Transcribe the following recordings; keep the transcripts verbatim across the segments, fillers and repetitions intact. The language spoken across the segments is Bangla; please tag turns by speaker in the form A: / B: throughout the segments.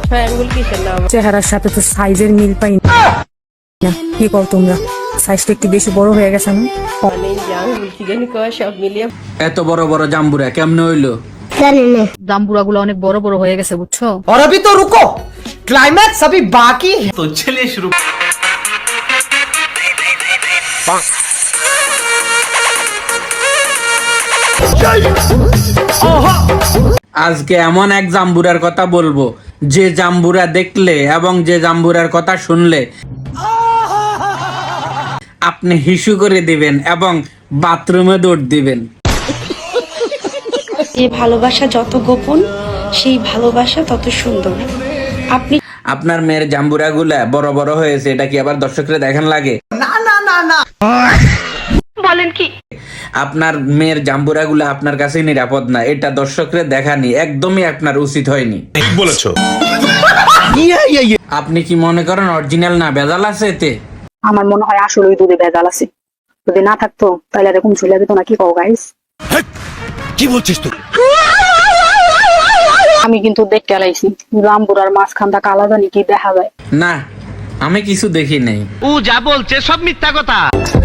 A: ট্রায়াঙ্গল কিসের নাম?
B: চেহারার সাথে তো সাইজের মিল পাই না। কি কর তোমরা? সাইজটা একটু বেশি বড় হয়ে গেছে না?
A: মানে জাঙ্গুল কি জানি কয় সব মিলিয়ে
C: এত বড় বড় জাম্বুরা কেমনে হইলো?
B: জাম্বুরা গুলো অনেক বড় বড় হয়ে গেছে বুঝছো।
D: और अभी तो रुको, क्लाइमैक्स अभी बाकी है।
E: तो चलिए शुरू।
C: আজকে এমন এক জাম্বুরার কথা বলবো যে জাম্বুরা দেখলে এবং যে জাম্বুরার কথা শুনলে আপনি হিসু করে দিবেন এবং বাথরুমে দৌড় দিবেন।
F: যে ভালোবাসা যত গোপন সেই ভালোবাসা তত সুন্দর। আপনি
C: আপনার মেয়ের জাম্বুরা গুলা বড় বড় হয়েছে, এটা কি আবার দর্শকরা দেখান লাগে?
D: ना ना ना ना
F: বলেন কি?
C: আপনার মেয়ের জাম্বুরা গুলা আপনার কাছে নিরাপদ না, এটা দর্শকরা দেখানি একদমই আপনার উচিত হয়নি।
E: ঠিক বলেছো।
C: আপনি কি মনে করেন অরিজিনাল না ভেজাল আছে এতে?
B: আমার মনে হয় আসলে ওই দুধে ভেজাল আছে। যদি না থাকতো তাহলে এরকম ঝুলে যেত না। কি কও গাইস?
E: কি বলছিস তুই?
B: আমি কিন্তু দেখতে আলাইছি জাম্বুরার মাঝখানটা কালা জানি কি দেখা যায়।
C: না, আমি কিছু দেখি নাই।
E: ও যা বলছে সব মিথ্যা কথা।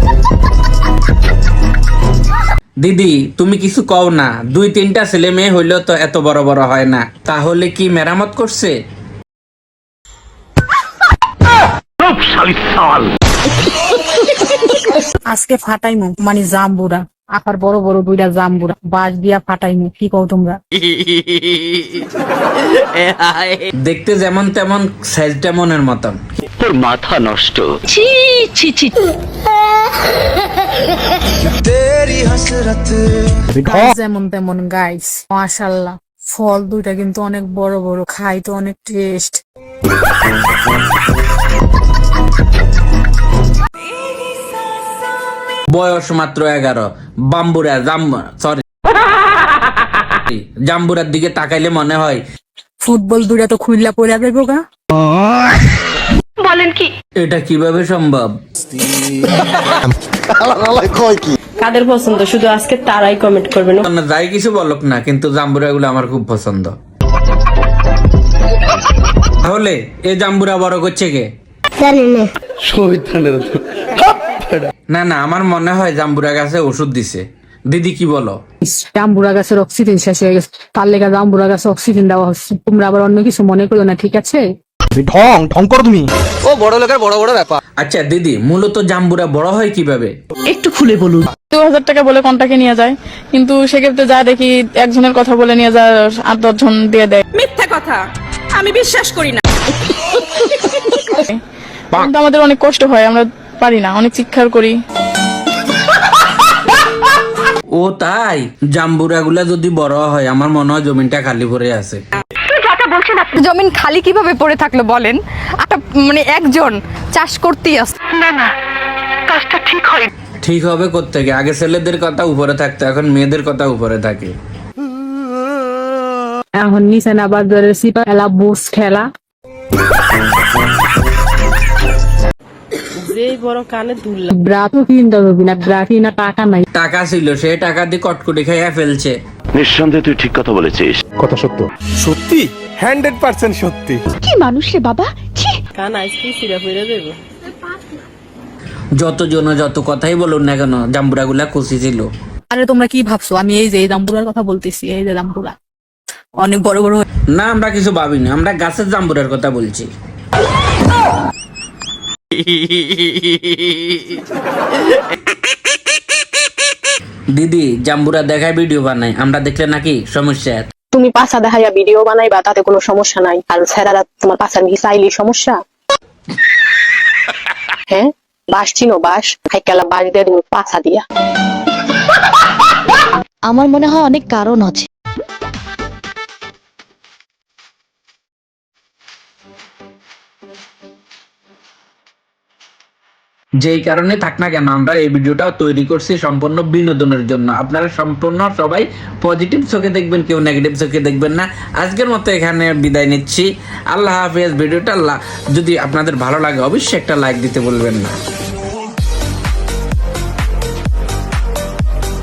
C: দিদি তুমি কিছু কও না, দুই তিনটা ছেলে মেয়ে হইলেও তো এত বড় বড় হয় না, তাহলে কি মেরামত করছে?
B: আজকে ফাটাইমু মানে জাম্বুরা, আকার বড় বড় দুইটা জাম্বুরা বাঁশ দিয়া ফাটাইমু। কি কও তোমরা?
C: দেখতে যেমন তেমন, সাইজটা মনের মতন।
E: তোর মাথা নষ্ট।
F: ছি ছি ছি।
B: গাইস যেমন তেমন গাইস, মাশাআল্লাহ। ফল দুইটা কিন্তু অনেক বড় বড়, খাই তো অনেক টেস্ট।
C: বয়স মাত্র এগারো। বাম্বুরা জাম সরি জাম্বুরার দিকে তাকাইলে মনে হয়
B: ফুটবল দুইটা তো খুইল্লা পড়া দেবো গা।
F: বলেন কি?
C: এটা কিভাবে সম্ভব?
A: কাদের পছন্দ শুধু আজকে তারাই কমেন্ট করবেন।
C: না, যাই কিছু বলক না, কিন্তু জাম্বুরা গুলো আমার খুব পছন্দ। তাহলে এই জাম্বুরা বড় করছে কে? না না, আমার মনে হয় জাম্বুরা গাছে ওষুধ দিছে। দিদি কি বলো?
B: জাম্বুরা গাছের অক্সিজেন শেষ হয়ে গেছে, তার লেগে জাম্বুরা গাছে অক্সিজেন দেওয়া হচ্ছে। তোমরা আবার অন্য কিছু মনে করো না, ঠিক আছে?
D: ঢং ঢং করো তুমি। ও বড় লোকের বড় বড় ব্যাপার।
C: আচ্ছা দিদি, মূলত জাম্বুরা বড় হয় কিভাবে?
F: একটু খুলে বলুন।
G: দু হাজার টাকা বলে কন্টাকে নিয়ে যায়, কিন্তু সেক্ষেত্রে যা দেখি একজনের কথা বলে নিয়ে যায় আট দশ জন দিয়ে দেয়।
F: মিথ্যা কথা, আমি বিশ্বাস করি না।
G: কিন্তু আমাদের অনেক কষ্ট হয়, আমরা পারি না, অনেক চিৎকার করি।
C: ও তাই? জাম্বুরা গুলা যদি বড় হয় আমার মনে হয় জমিনটা খালি পড়ে আছে।
H: জমিন খালি কিভাবে পড়ে থাকলো বলেন? একটা মানে একজন চাষ করতেই আসে।
F: না না, কাজটা ঠিক হয়।
C: ঠিক হবে কোত্থেকে? আগে ছেলেদের কথা উপরে থাকতো, এখন মেয়েদের কথা উপরে থাকে।
B: এখন নিচে না বাজারের সিপা খেলা, বুস খেলা।
A: যে বড় কানে দুল
B: ব্রা তো কিনতে হবে না, ব্রা কিনা টাকা নাই।
C: টাকা ছিল, সে টাকা দিয়ে কটকুটি খাইয়া ফেলছে।
E: নিঃসন্দেহে তুই ঠিক কথা বলেছিস।
I: কথা সত্য, সত্যি হান্ড্রেড পার্সেন্ট সত্যি।
H: কি মানুষ রে বাবা, ছি।
A: কান আইসক্রিম সিরা ফিরে দেবো।
B: যত জন যত কথাই বলুন না কেন, জাম্বুরা গুলা খুশি ছিল। আরে তোমরা কি ভাবছো আমি এই যে এই জাম্বুরার কথা বলতেছি? এই যে জাম্বুরা অনেক বড় বড়।
C: না, আমরা কিছু ভাবিনি, আমরা গাছের জাম্বুরার কথা বলছি। দিদি, জাম্বুরা দেখায় ভিডিও বানাই, আমরা দেখলে নাকি সমস্যা?
J: তুমি পাছা দেখাইয়া ভিডিও বানাইবা, তাতে কোনো সমস্যা নাই। আর ছেলেরা তোমার পাছা নাকি চাইলে সমস্যা? হ্যাঁ, বাস চিনো? বাস হাইকালা বাস দিয়ে তুমি পাছা দিয়া।
H: আমার মনে হয় অনেক কারণ আছে।
C: যেই কারণে থাক না কেন, আমরা এই ভিডিওটাও তৈরি করছি সম্পূর্ণ বিনোদনের জন্য। আপনারা সম্পূর্ণ সবাই পজিটিভ চোখে দেখবেন, কেউ নেগেটিভ চোখে দেখবেন না। আজকের মতো এখানে বিদায় নিচ্ছি। আল্লাহ হাফেজ। ভিডিওটা যদি আপনাদের ভালো লাগে অবশ্যই একটা লাইক দিতে বলবেন না।